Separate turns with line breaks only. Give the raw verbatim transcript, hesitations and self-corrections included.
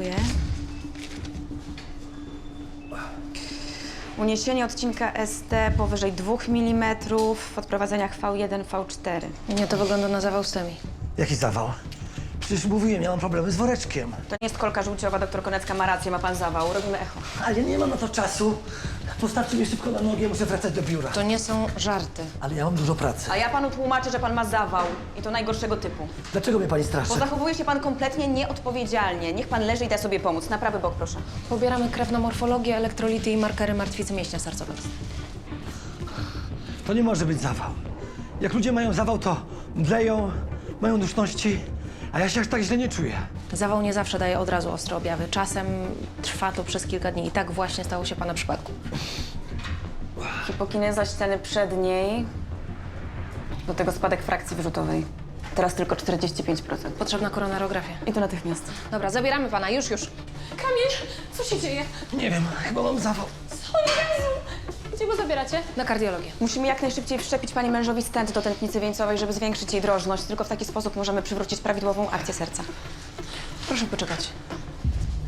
dziękuję. Uniesienie odcinka S T powyżej dwóch milimetrów w odprowadzeniach V jeden, V cztery.
Nie, to wygląda na zawał STEMI.
Jaki zawał? Przecież mówiłem, ja mam problemy z woreczkiem.
To nie jest kolka żółciowa, doktor Konecka ma rację, ma pan zawał. Robimy echo.
Ale nie mam na to czasu. Postawcie mnie szybko na nogi, ja muszę wracać do biura.
To nie są żarty.
Ale ja mam dużo pracy.
A ja panu tłumaczę, że pan ma zawał. I to najgorszego typu.
Dlaczego mnie pani straszy?
Bo zachowuje się pan kompletnie nieodpowiedzialnie. Niech pan leży i da sobie pomóc. Na prawy bok, proszę.
Pobieramy krew na morfologię, elektrolity i markery martwicy mięśnia sercowego.
To nie może być zawał. Jak ludzie mają zawał, to mdleją, mają duszności, a ja się aż tak źle nie czuję.
Zawał nie zawsze daje od razu ostre objawy. Czasem trwa to przez kilka dni i tak właśnie stało się pana przypadku.
Hipokineza ściany przedniej. Do tego spadek frakcji wyrzutowej. Teraz tylko czterdzieści pięć procent.
Potrzebna koronarografia.
I to natychmiast.
Dobra, zabieramy pana, już, już.
Kamil, co się dzieje?
Nie wiem, chyba mam zawał.
O Jezu! Gdzie go zabieracie?
Na kardiologię.
Musimy jak najszybciej wszczepić pani mężowi stent do tętnicy wieńcowej, żeby zwiększyć jej drożność. Tylko w taki sposób możemy przywrócić prawidłową akcję serca.
Proszę poczekać.